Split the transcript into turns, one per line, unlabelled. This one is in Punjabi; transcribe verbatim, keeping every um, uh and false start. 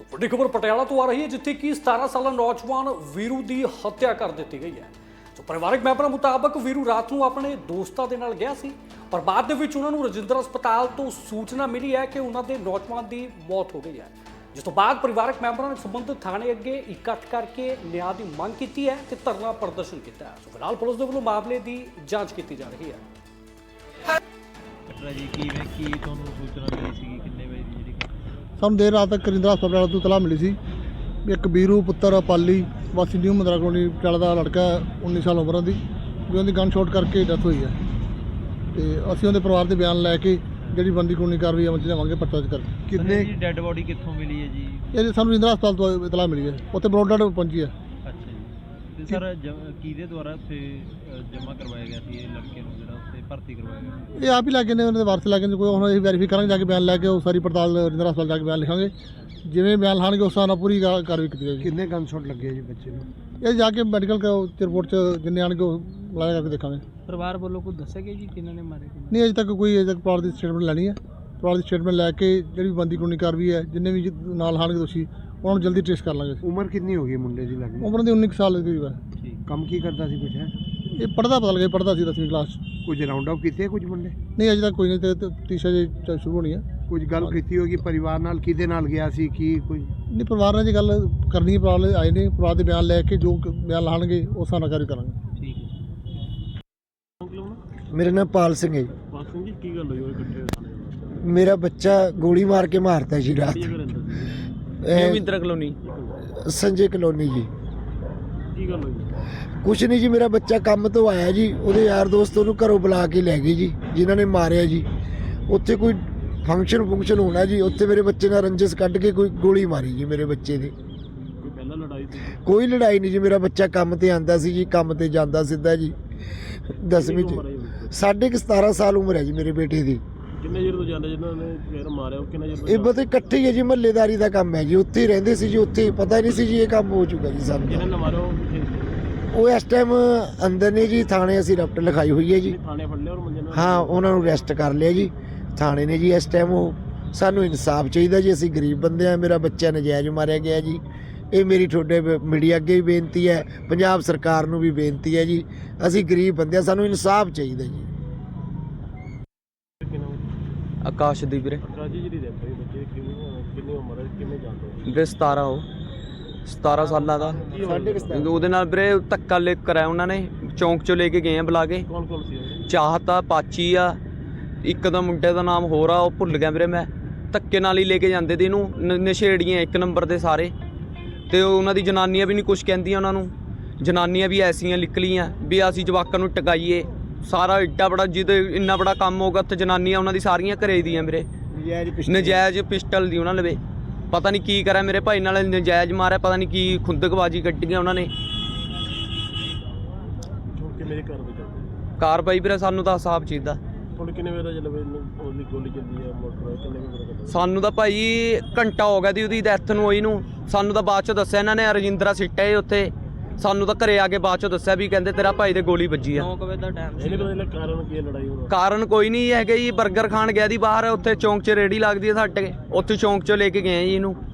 ਵੱਡੀ ਖਬਰ ਪਟਿਆਲਾ ਤੋਂ ਆ ਰਹੀ ਹੈ, ਜਿੱਥੇ ਕਿ ਸਤਾਰਾਂ ਸਾਲਾ ਨੌਜਵਾਨ ਵੀਰੂ ਦੀ ਹੱਤਿਆ ਕਰ ਦਿੱਤੀ ਗਈ ਹੈ। ਸੋ ਪਰਿਵਾਰਕ ਮੈਂਬਰਾਂ ਮੁਤਾਬਕ ਵੀਰੂ ਰਾਤ ਨੂੰ ਆਪਣੇ ਦੋਸਤਾਂ ਦੇ ਨਾਲ ਗਿਆ ਸੀ, ਪਰ ਬਾਅਦ ਦੇ ਵਿੱਚ ਉਹਨਾਂ ਨੂੰ ਰਜਿੰਦਰਾ ਹਸਪਤਾਲ ਤੋਂ ਸੂਚਨਾ ਮਿਲੀ ਹੈ ਕਿ ਉਹਨਾਂ ਦੇ ਨੌਜਵਾਨ ਦੀ ਮੌਤ ਹੋ ਗਈ ਹੈ, ਜਿਸ ਤੋਂ ਬਾਅਦ ਪਰਿਵਾਰਕ ਮੈਂਬਰਾਂ ਨੇ ਸੰਬੰਧਿਤ ਥਾਣੇ ਅੱਗੇ ਇਕੱਠ ਕਰਕੇ ਨਿਆਂ ਦੀ ਮੰਗ ਕੀਤੀ ਹੈ ਤੇ ਧਰਨਾ ਪ੍ਰਦਰਸ਼ਨ ਕੀਤਾ ਹੈ। ਸੋ ਫਿਲਹਾਲ ਪੁਲਿਸ ਦੇ ਵੱਲੋਂ ਮਾਮਲੇ ਦੀ ਜਾਂਚ ਕੀਤੀ ਜਾ ਰਹੀ ਹੈ।
ਜੀ ਕਿਵੇਂ ਕੀ ਤੁਹਾਨੂੰ ਸੂਚਨਾ ਮਿਲੀ ਸੀ, ਕਿੰਨੇ ਵਜੇ ਦੀ ਜਿਹੜੀ
ਸਾਨੂੰ ਦੇਰ ਰਾਤ ਤੱਕ ਰਜਿੰਦਰਾ ਹਸਪਤਾਲ ਤੋਂ ਇਤਲਾਹ ਮਿਲੀ ਸੀ ਵੀ ਇੱਕ ਵੀਰੂ ਪੁੱਤਰ ਪਾਲੀ ਵਾਸੀ ਨਿਊ ਮੰਦਰਾ ਕਲੋਨੀ ਪਟਿਆਲਾ ਦਾ ਲੜਕਾ ਉੱਨੀ ਸਾਲ ਉਮਰ ਦੀ ਵੀ ਉਹਦੀ ਗਨ ਸ਼ਾਟ ਕਰਕੇ ਡੈਥ ਹੋਈ ਹੈ, ਤੇ ਅਸੀਂ ਉਹਦੇ ਪਰਿਵਾਰ ਦੇ ਬਿਆਨ ਲੈ ਕੇ ਜਿਹੜੀ ਬੰਦੀ ਕਾਨੂੰਨੀ ਕਾਰਵਾਈ ਅਮਲ 'ਚ ਲਿਆਵਾਂਗੇ ਪਰਚਾ ਦਰਜ ਕਰਕੇ।
ਕਿੰਨੇ ਡੈੱਡ ਬੋਡੀ ਕਿੱਥੋਂ ਮਿਲੀ ਹੈ ਜੀ?
ਇਹ ਸਾਨੂੰ ਰਜਿੰਦਰਾ ਹਸਪਤਾਲ ਤੋਂ ਇਤਲਾਹ ਮਿਲੀ ਹੈ, ਉੱਥੇ ਬਰੋਡਰ ਪਹੁੰਚੀ ਹੈ।
ਅੱਛਾ ਜੀ, ਤੇ ਸਰ ਕਿਹਦੇ ਦੁਆਰਾ ਉੱਥੇ ਜਮ੍ਹਾਂ ਕਰਵਾਇਆ ਗਿਆ ਸੀ ਇਹ ਲੜਕੇ ਨੂੰ, ਜਿਹੜਾ ਉੱਥੇ ਭਰਤੀ ਕਰਵਾਇਆ ਗਿਆ?
ਇਹ ਆਪ ਹੀ ਲੈ ਕੇ ਨੇ, ਉਹਨਾਂ ਦੇ ਵਾਰਸ ਲੈ ਕੇ ਨੇ, ਕੋਈ ਹੁਣ ਅਸੀਂ ਵੈਰੀਫਾਈ ਕਰਾਂਗੇ ਜਾ ਕੇ ਬਿਆਨ ਲੈ ਕੇ, ਉਹ ਸਾਰੀ ਪੜਤਾਲ ਰਜਿੰਦਰਾ ਹਸਪਤਾਲ ਜਾ ਕੇ ਬਿਆਨ ਲਿਖਾਂਗੇ, ਜਿਵੇਂ ਬਿਆਨ ਲਾਣਗੇ ਉਸ ਹਿਸਾਬ ਨਾਲ ਪੂਰੀ ਕਾ- ਕਾਰਵਾਈ ਕੀਤੀ ਜਾਏਗੀ।
ਕਿੰਨੇ ਗਨ ਸ਼ਾਟ ਲੱਗੇ ਜੀ ਬੱਚੇ ਨੂੰ?
ਇਹ ਜਾ ਕੇ ਮੈਡੀਕਲ ਰਿਪੋਰਟ 'ਚ ਜਿੰਨੇ ਆਣਗੇ ਉਹ ਲਾਇਆ ਕਰਕੇ ਦੇਖਾਂਗੇ।
ਪਰਿਵਾਰ ਵੱਲੋਂ ਕੋਈ ਦੱਸਿਆ ਗਿਆ ਜੀ ਕਿਹਨਾਂ ਨੇ ਮਾਰੇ?
ਨਹੀਂ ਅਜੇ ਤੱਕ ਕੋਈ ਅਜੇ ਤੱਕ ਪਰਿਵਾਰ ਦੀ ਸਟੇਟਮੈਂਟ ਲੈਣੀ ਹੈ, ਪਰਿਵਾਰ ਦੀ ਸਟੇਟਮੈਂਟ ਲੈ ਕੇ ਜਿਹੜੀ ਬੰਦੀ ਕਾਨੂੰਨੀ ਕਾਰਵਾਈ ਹੈ, ਜਿੰਨੇ ਵੀ ਨਾਲ ਆਣਗੇ ਦੋਸ਼ੀ ਉਹਨਾਂ ਨੂੰ ਜਲਦੀ ਟ੍ਰੇਸ ਕਰ ਲਾਂਗੇ।
ਉਮਰ ਕਿੰਨੀ ਹੋ ਗਈ ਮੁੰਡੇ ਦੀ ਲੱਗਦੀ?
ਉਮਰ ਦੀ ਉੱਨੀ ਕੁ ਸਾਲ ਦੀ ਹੈ।
ਕੰਮ ਕੀ ਕਰਦਾ ਸੀ ਕੁਝ ਹੈ?
ਇਹ ਪੜ੍ਹਦਾ ਪਤਾ ਲੱਗਿਆ ਪੜ੍ਹਦਾ ਸੀ ਦਸਵੀਂ ਕਲਾਸ 'ਚ।
ਕੁਝ ਰਾਉਂਡ ਅਪ ਕੀਤੇ ਕੁਝ ਮੁੰਡੇ?
ਨਹੀਂ ਅਜੇ ਤੱਕ ਕੋਈ ਨਹੀਂ, ਤੇ ਤੀਸਰਾ ਜੇ ਸ਼ੁਰੂ ਹੋਣੀ ਹੈ।
ਕੁਝ ਗੱਲ ਕੀਤੀ ਹੋਗੀ ਪਰਿਵਾਰ ਨਾਲ, ਕਿਹਦੇ ਨਾਲ ਗਿਆ ਸੀ ਕੀ ਕੋਈ?
ਨਹੀਂ ਪਰਿਵਾਰ ਨਾਲ ਜੀ ਗੱਲ ਕਰਨੀ ਹੈ, ਪਰਿਵਾਰ ਵਾਲੇ ਆਏ ਨੇ, ਪਰਿਵਾਰ ਦੇ ਬਿਆਨ ਲੈ ਕੇ ਜੋ ਬਿਆਨ ਲਾਣਗੇ ਉਸ ਹਿਸਾਬ ਨਾਲ ਕਾਰਵਾਈ ਕਰਾਂਗੇ।
ਠੀਕ ਹੈ।
ਮੇਰਾ ਨਾਮ ਪਾਲ ਸਿੰਘ ਹੈ।
ਪਾਲ ਸਿੰਘ ਜੀ, ਕੀ ਗੱਲ ਹੋਈ ਉਹ ਇਕੱਠੇ ਥਾਣੇ?
ਮੇਰਾ ਬੱਚਾ ਗੋਲੀ ਮਾਰ ਕੇ ਮਾਰਤਾ ਜੀ ਰਾਤ।
ਮਹਿੰਦਰਾ ਕਲੋਨੀ
ਸੰਜੇ ਕਲੋਨੀ ਜੀ।
ਕੀ ਗੱਲ ਹੋਈ?
ਕੁਛ ਨਹੀਂ ਜੀ, ਮੇਰਾ ਬੱਚਾ ਕੰਮ ਤੋਂ ਆਇਆ ਜੀ, ਉਹਦੇ ਯਾਰ ਦੋਸਤ ਉਹਨੂੰ ਘਰੋਂ ਬੁਲਾ ਕੇ ਲੈ ਗਏ ਜੀ, ਜਿਨ੍ਹਾਂ ਨੇ ਮਾਰਿਆ ਜੀ। ਉੱਥੇ ਕੋਈ ਫੰਕਸ਼ਨ ਫੰਕਸ਼ਨ ਹੋਣਾ ਜੀ, ਉੱਥੇ ਮੇਰੇ ਬੱਚੇ ਨਾਲ ਰੰਜਿਸ਼ ਕੱਢ ਕੇ ਕੋਈ ਗੋਲੀ ਮਾਰੀ ਜੀ ਮੇਰੇ ਬੱਚੇ ਦੀ।
ਕੋਈ ਪਹਿਲਾਂ ਲੜਾਈ ਸੀ?
ਕੋਈ ਲੜਾਈ ਨਹੀਂ ਜੀ, ਮੇਰਾ ਬੱਚਾ ਕੰਮ ਤੇ ਆਂਦਾ ਸੀ ਜੀ, ਕੰਮ ਤੇ ਜਾਂਦਾ ਸਿੱਧਾ ਜੀ। ਦਸਵੀਂ 'ਚ ਸਾਢੇ ਕੁ ਸਤਾਰਾਂ ਸਾਲ ਉਮਰ ਹੈ ਜੀ ਮੇਰੇ ਬੇਟੇ ਦੀ।
ਕਿੰਨੇ ਚਿਰ ਤੋਂ ਜਾਂਦੇ ਜਿਨ੍ਹਾਂ ਨੇ ਫਿਰ ਮਾਰਿਆ, ਉਹ ਕਿੰਨਾ ਚਿਰ?
ਇਹ ਬਤੇ ਇਕੱਠੇ ਹੀ ਹੈ ਜੀ, ਮਹੱਲੇਦਾਰੀ ਦਾ ਕੰਮ ਹੈ ਜੀ, ਉੱਥੇ ਹੀ ਰਹਿੰਦੇ ਸੀ ਜੀ, ਉੱਥੇ ਪਤਾ ਨਹੀਂ ਸੀ ਜੀ ਇਹ ਕੰਮ ਹੋ ਚੁੱਕਾ ਜੀ ਸਾਨੂੰ।
ਜਿਹਨਾਂ ਨੇ ਮਾਰਿਆ ਉਹ ਕਿੱਥੇ ਸੀ?
ਉਹ ਇਸ ਟਾਈਮ ਅੰਦਰ ਨੇ ਜੀ, ਥਾਣੇ ਅਸੀਂ ਰਿਪੋਰਟ ਲਿਖਾਈ ਹੋਈ ਹੈ ਜੀ।
ਥਾਣੇ ਫੜ ਲਿਆ ਔਰ ਮੁੰਡੇ ਨੂੰ?
ਹਾਂ, ਉਹਨਾਂ ਨੂੰ ਅਰੈਸਟ ਕਰ ਲਿਆ ਜੀ ਥਾਣੇ ਨੇ ਜੀ ਇਸ ਟਾਈਮ। ਉਹ ਸਾਨੂੰ ਇਨਸਾਫ ਚਾਹੀਦਾ ਜੀ, ਅਸੀਂ ਗਰੀਬ ਬੰਦੇ ਆ, ਮੇਰਾ ਬੱਚਾ ਨਜਾਇਜ਼ ਮਾਰਿਆ ਗਿਆ ਜੀ। ਇਹ ਮੇਰੀ ਤੁਹਾਡੇ ਮੀਡੀਆ ਅੱਗੇ ਵੀ ਬੇਨਤੀ ਹੈ, ਪੰਜਾਬ ਸਰਕਾਰ ਨੂੰ ਵੀ ਬੇਨਤੀ ਹੈ ਜੀ, ਅਸੀਂ ਗਰੀਬ ਬੰਦੇ ਆ, ਸਾਨੂੰ ਇਨਸਾਫ ਚਾਹੀਦਾ ਜੀ।
ਆਕਾਸ਼ਦੀਪ ਵੀਰੇ।
ਕਾਜੀ ਜਿਹੜੀ ਡੈਥ ਹੋਈ ਬੱਚੇ ਕਿੰਨੀ ਕਿੰਨੀ ਉਮਰ ਹੈ, ਕਿੰਨੇ ਜਾਂਦੇ?
ਵੀਰੇ ਸਤਾਰਾਂ, ਉਹ ਸਤਾਰਾਂ ਸਾਲਾਂ ਦਾ। ਉਹਦੇ ਨਾਲ ਵੀਰੇ ਧੱਕਾ ਲੈ ਕਰਾਇਆ ਉਹਨਾਂ ਨੇ, ਚੌਂਕ 'ਚੋਂ ਲੈ ਕੇ ਗਏ ਆ ਬੁਲਾ ਕੇ।
ਕੌਣ ਕੌਣ ਸੀ ਉਹ?
ਚਾਹਤ ਆ, ਪਾਚੀ ਆ, ਇੱਕ ਦਾ ਮੁੰਡੇ ਦਾ ਨਾਮ ਹੋਰ ਆ, ਉਹ ਭੁੱਲ ਗਿਆ ਵੀਰੇ ਮੈਂ। ਧੱਕੇ ਨਾਲ ਹੀ ਲੈ ਕੇ ਜਾਂਦੇ ਤੇ ਇਹਨੂੰ, ਨ- ਨਸ਼ੇੜੀਆਂ ਇੱਕ ਨੰਬਰ ਦੇ ਸਾਰੇ। ਤੇ ਉਹਨਾਂ ਦੀ ਜਨਾਨੀਆਂ ਵੀ ਨਹੀਂ ਕੁਛ ਕਹਿੰਦੀਆਂ ਉਹਨਾਂ ਨੂੰ, ਜਨਾਨੀਆਂ ਵੀ ਐਸੀਆਂ ਨਿਕਲੀਆਂ ਵੀ ਅਸੀਂ ਜਵਾਕਾਂ ਨੂੰ ਟਕਾਈਏ। ਸਾਰਾ ਏਡਾ ਬੜਾ ਜਿਹਦੇ ਇੰਨਾ ਬੜਾ ਕੰਮ ਹੋਗਾ, ਉੱਥੇ ਜਨਾਨੀਆਂ ਉਹਨਾਂ ਦੀ ਸਾਰੀਆਂ ਘਰੇ ਦੀਆਂ ਵੀਰੇ। ਨਜਾਇਜ਼ ਪਿਸਟਲ ਦੀ ਉਹਨਾਂ ਲਵੇ, ਪਤਾ ਨਹੀਂ ਕੀ ਕਰਿਆ ਮੇਰੇ ਭਾਈ ਨਾਲ, ਨਜਾਇਜ਼ ਮਾਰਿਆ, ਪਤਾ ਨਹੀਂ ਕੀ ਖੁੰਦਕਬਾਜੀ ਕੱਢੀਆਂ ਉਹਨਾਂ ਨੇ।
ਕਿੰਨੇ ਦੀ ਕਾਰਵਾਈ ਕਰਦੇ?
ਕਾਰਵਾਈ ਵੀਰੇ ਸਾਨੂੰ ਤਾਂ ਹਿਸਾਬ ਚਾਹੀਦਾ।
ਹੁਣ ਕਿੰਨੇ ਵਜੇ ਦਾ ਜਲਵੇ ਉਹਦੀ ਗੋਲੀ ਚੱਲਦੀ ਹੈ ਮੋਟਰ, ਕਿੰਨੇ ਵਜੇ ਦਾ?
ਸਾਨੂੰ ਤਾਂ ਭਾਈ ਘੰਟਾ ਹੋ ਗਿਆ ਦੀ ਉਹਦੀ ਡੈਥ ਨੂੰ ਹੋਈ ਨੂੰ। ਸਾਨੂੰ ਤਾਂ ਬਾਅਦ 'ਚੋਂ ਦੱਸਿਆ ਇਹਨਾਂ ਨੇ, ਰਜਿੰਦਰਾ ਸਿੱਟਿਆ ਏ ਉੱਥੇ। ਸਾਨੂੰ ਤਾਂ ਘਰੇ ਆ ਕੇ ਬਾਅਦ 'ਚੋਂ ਦੱਸਿਆ ਵੀ ਕਹਿੰਦੇ ਤੇਰਾ ਭਾਈ ਦੇ ਗੋਲੀ ਵੱਜੀ ਆ।
ਇਹਨੇ ਕੋਈ ਕਾਰਨ ਕੀ ਹੈ ਲੜਾਈ ਹੋਣਾ?
ਕਾਰਨ ਕੋਈ ਨਹੀਂ ਹੈਗਾ ਜੀ, 버ਗਰ ਖਾਣ ਗਿਆ ਦੀ ਬਾਹਰ, ਉੱਥੇ ਚੌਂਕ 'ਚ ਰੇੜੀ ਲੱਗਦੀ ਹੈ ਸਾਡੇ, ਉੱਥੇ ਚੌਂਕ 'ਚੋਂ ਲੈ ਕੇ ਗਏ ਆ ਜੀ ਇਹਨੂੰ।